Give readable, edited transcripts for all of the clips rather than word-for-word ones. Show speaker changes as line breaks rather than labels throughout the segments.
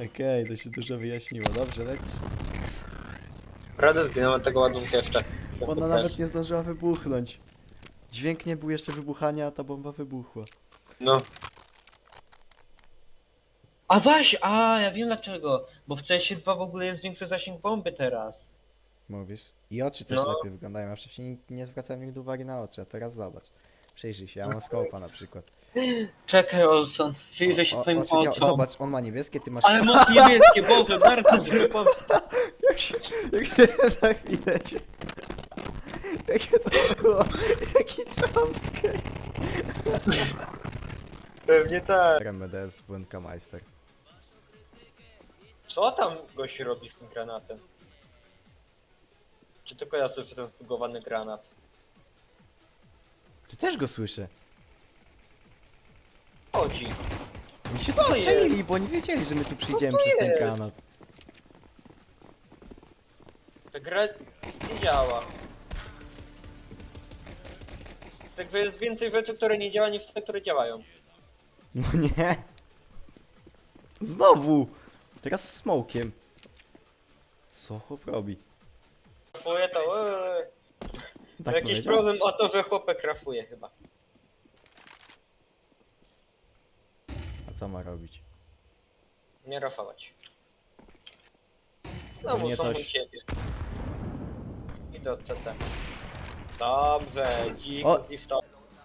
Okej, to się dużo wyjaśniło. Dobrze, lecisz.
Radę zginąłem tego ładunku jeszcze.
Ona nawet nie zdążyła wybuchnąć. Dźwięk nie był jeszcze wybuchania, a ta bomba wybuchła.
No. Ja wiem dlaczego. Bo w CS2 w ogóle jest większy zasięg bomby teraz.
Mówisz? I oczy też
No.
lepiej wyglądają. Ja wcześniej nie zwracałem nigdy uwagi na oczy, a teraz zobacz. Przyjrzyj się, ja mam skopa na przykład.
Czekaj, Olson. Przyjrzę się twoim
Oczy
oczom.
Zobacz, on ma niebieskie, ty masz...
Ale masz niebieskie, Boże, bardzo zły pomysł.
Jak się tak widać. Jakie to było? Jaki jumpscare.
Pewnie tak.
RMDS Błędkameister.
Co tam gość robi z tym granatem? Czy tylko ja słyszę ten zbugowany granat?
Czy też go słyszę?
Chodzi.
Oni się
To
tu
jest.
zaczęli, bo nie wiedzieli, że my tu przyjdziemy
to
przez ten
jest?
granat.
Ta gra nie działa. Także jest więcej rzeczy, które nie działają niż te, które działają.
No nie. Znowu. Teraz z smokiem. Co chłop robi?
Krafuje to...
Tak
Jakiś
powiedział?
problem o to, że chłopek krafuje chyba.
A co ma robić?
Nie rafować. No
Pewnie
muszą
coś-
u ciebie. Idę od CT. Dobrze, dzik
O!
zliftał.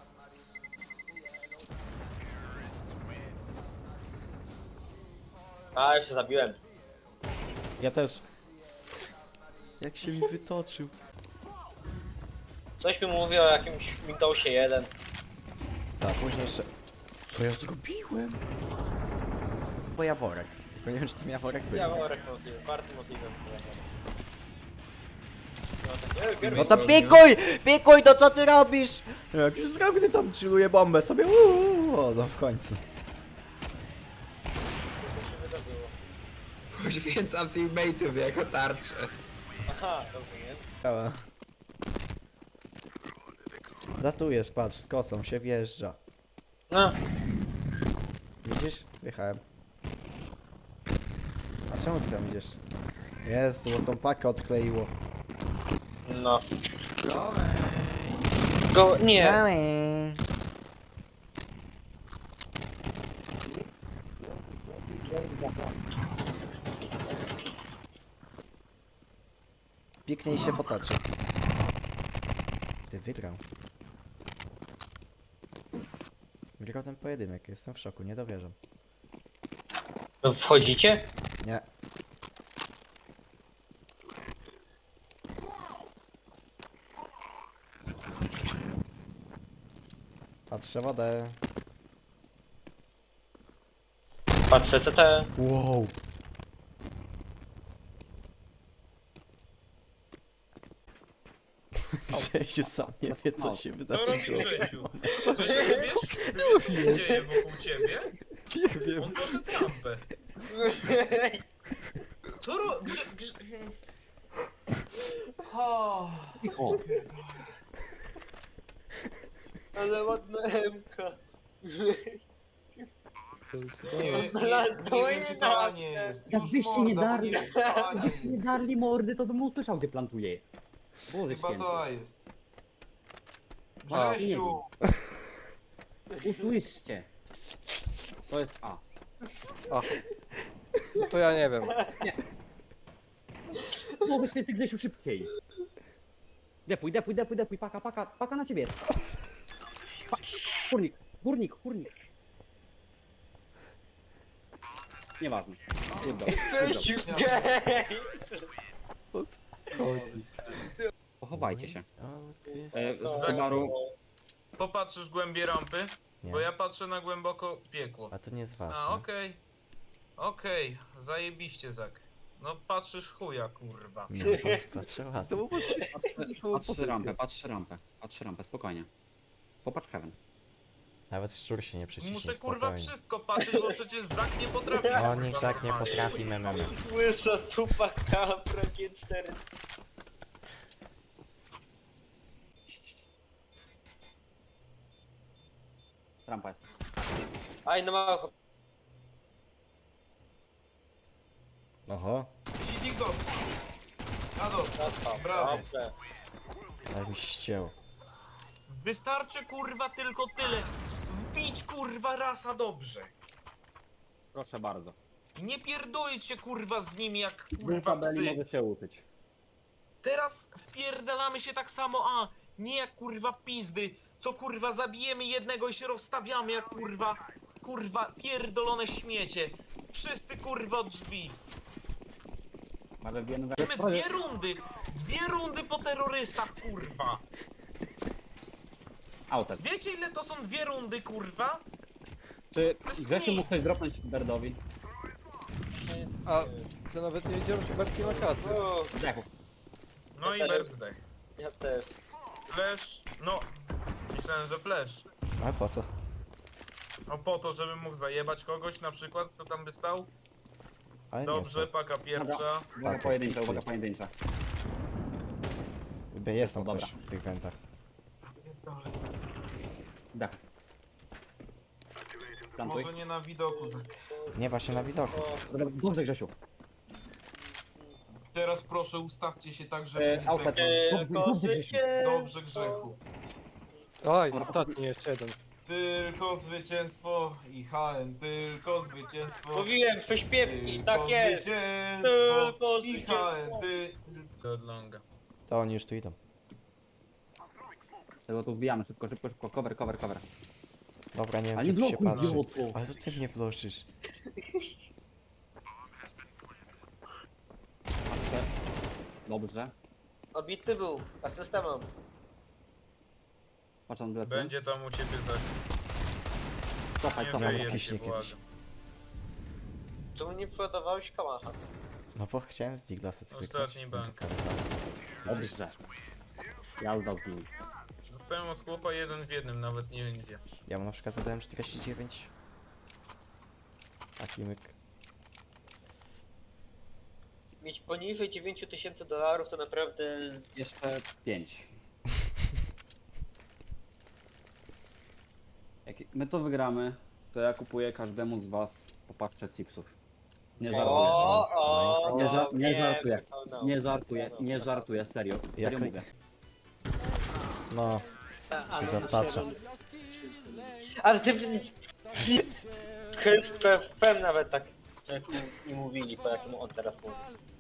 A, jeszcze zabiłem.
Ja też. Jak się mi wytoczył.
Coś mi mówi o jakimś Windowsie 1.
Tak, później jeszcze... Co ja zrobiłem? Bo jaworek. Tylko nie wiem, czy tam jaworek był.
Ja mam możliwe, bardzo możliwe. No, tak,
No to pikuj! Pikuj, to co ty robisz? Jakiś zdrowny tam chilluje bombę sobie. O, no w końcu.
Poświęcam teammate'ów jako tarczę.
Aha, dobrze, nie?
Działa. Ratujesz, patrz, z kosą się wjeżdża.
No,
Widzisz? Wjechałem. A czemu ty tam idziesz? Jest, bo tą pakę odkleiło.
no. Go, nie.
Pięknie i się potoczy. Ty wygrał. Wygrał ten pojedynek, jestem w szoku, nie dowierzam.
Wchodzicie?
Nie. Patrzę wodę.
Patrzę CT.
Wow. Grzesiu sam nie wie, co się
Co
wydarzyło.
robi Grzesiu? Coś nie wiesz, co się dzieje wokół ciebie?
Nie wiem.
On poszedł rampę. Co ro... O,
O,
Ale ładna Emka.
nie wiem, czy to A nie jest. Już
Jakbyście nie
morda, bo
darli,
nie wiem, czy to A nie
jakbyście nie
jest.
darli mordy, to bym usłyszał, gdzie plantuje. Boże
Chyba
święty.
to A jest.
A,
Grzesiu!
Usłyszcie. To jest A.
No to ja nie wiem.
Boże święty, Grzesiu, szybciej. Depuj, depuj, depuj, depuj, paka, paka, paka na ciebie jest. Kurnik, kurnik, kurnik. Nieważne. Wybrał, wybrał. Pochowajcie się. Subaru,
Popatrzysz głębiej rampy?
Nie.
Bo ja patrzę na głęboko piekło.
A to nie jest ważne.
A, okej. Okej, zajebiście, Zak. No patrzysz chuja, kurwa.
Nie, patrzę ładnie.
patrzę rampę, patrzę rampę, patrzę rampę, spokojnie. Popatrz Heaven.
Nawet szczur się nie przyciśnie,
Muszę kurwa
spokojnie.
wszystko patrzeć, bo przecież Zak nie potrafi.
O,
kurwa,
niech tak nie
normalnie.
potrafi memem.
Łysa tupa kapra G4.
Rampa jest.
Aj, no mało.
Oho,
Sidnik dobrze. A dobrze, brawo.
Dobrze.
tak mi ścięło.
Wystarczy kurwa tylko tyle. Wbić kurwa raz, a dobrze.
Proszę bardzo.
I nie pierdolić się kurwa z nimi jak
Wy
kurwa
tabeli
psy.
może się uczyć.
Teraz wpierdalamy się tak samo, a nie jak kurwa pizdy, co kurwa zabijemy jednego i się rozstawiamy jak kurwa pierdolone śmiecie. Wszyscy kurwa od drzwi.
Ale wiemy,
Mamy dwie rundy po terrorystach kurwa.
Autek.
Wiecie ile to są dwie rundy kurwa?
Czy
To jest
Grzesiu
nic.
mógł coś dropnąć Berdowi?
A to nawet nie wiedziałem, że Berki ma kasę.
Zdechł.
No i
Ja też.
birthday.
Ja też.
Flash, no. Myślałem, że flash.
A po co?
No po to, żebym mógł zajebać kogoś na przykład, kto tam by stał.
Ale nie
Dobrze,
jest
paka pierwsza.
Uwaga
Tak,
pojedyncza,
cyk.
uwaga pojedyncza.
to. Jest tam
Dobra.
ktoś w tych wentach.
Dach. Plantuj.
Może nie na widoku, Zak.
Nie, właśnie na widoku.
Dobra, dobrze Grzesiu.
Teraz proszę ustawcie się tak, żeby nie
Autek.
zdechnąć.
Dobrze Grzesiu.
Dobrze, Grzechu.
Oj, ostatni jeszcze jeden.
Tylko zwycięstwo i HM, tylko zwycięstwo.
Mówiłem, prześpiewki, tak jest.
Zwycięstwo
Tylko
i HM, ty... Od longa.
To oni już tu idą.
Tego tu wbijamy, szybko, szybko, szybko. Cover, cover, cover.
Dobra, nie wiem,
Ale nie
czy tu się
blokuj,
patrzy.
idioto.
Ale to ty mnie bloszysz.
Patrzę. Dobrze.
Obity był, asysta mam.
Patrz na plecy.
Będzie tam u ciebie Zak.
Cofaj,
Nie
cofaj.
wyjeb
kiśnie
się,
kiedyś.
błagam.
Czemu nie przodowałeś kałacha?
No bo chciałem z Diglasa cyknąć.
Ostatni bank.
Dobrze. Ja zdał tu.
Dostałem od chłopa jeden w jednym, nawet nie wiem gdzie.
Ja mu na przykład zadałem 49. Taki myk.
Mieć poniżej $9000 to naprawdę...
Jeszcze 5. Jak my to wygramy, to ja kupuję każdemu z was po paczce chipsów. Nie żartuję. Nie żartuję. Nie żartuję, nie żartuję, serio. Serio
Jak-
mówię.
No, się zapatrzy.
Ale ty... Chyba nawet tak, jak nie mówili, po jakim on teraz mówi.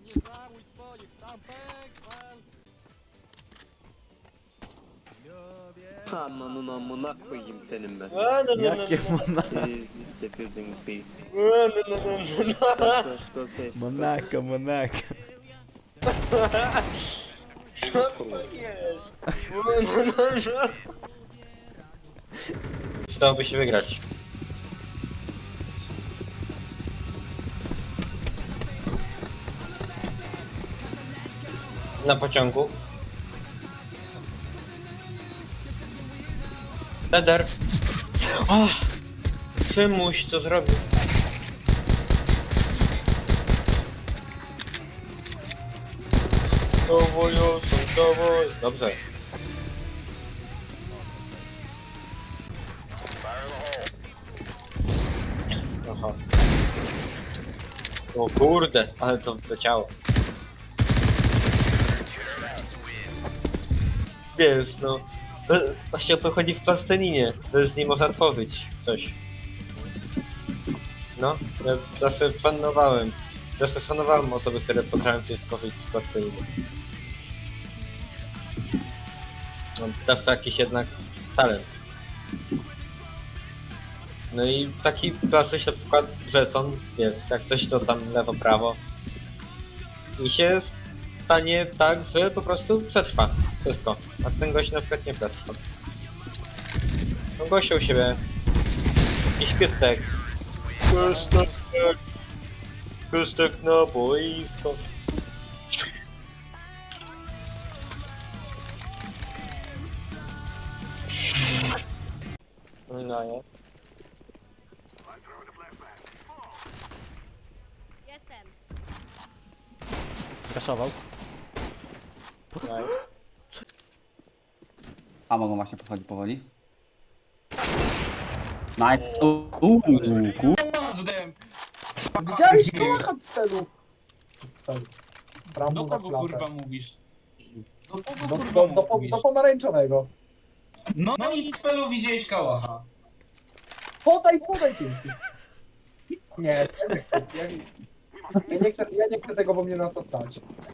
Mamma Monaco senin ben.
Jakie Monaco?
Defusing B. Go safe.
Monaco, Monaco.
Co to jest? Przydałoby się wygrać. Na pociągu. Leder. O! Przymuś to zrobił. Dowój. Dobrze. Aha. O kurde, ale to wleciało. Wiesz, no. Właśnie o to chodzi w plastelinie, że z niej można tworzyć coś. No, ja zawsze szanowałem. Zawsze szanowałem osoby, które potrafią coś tworzyć z plasteliny. No, zawsze jakiś jednak talent. No i taki plastyś na przykład Jetson, wiesz, jak coś to tam lewo, prawo. I się stanie tak, że po prostu przetrwa wszystko. A ten gość na przykład nie przetrwa. No gościa u siebie. Jakiś piestek. Piestek na boisko. No ja.
Jestem.
Zraszował.
A mogą właśnie podchodzić powoli. Nice. Kurde.
Watch them!
Widziałeś kołacha celu!
Sram
Do
mu na
kogo
klatę.
kurwa mówisz? Do kogo
Do,
kurwa
do, do,
mówisz?
do pomarańczowego.
No i Twelu widziałeś kałacha.
Podaj dzięki. Nie, ja nie chcę tego, bo mnie na to stać.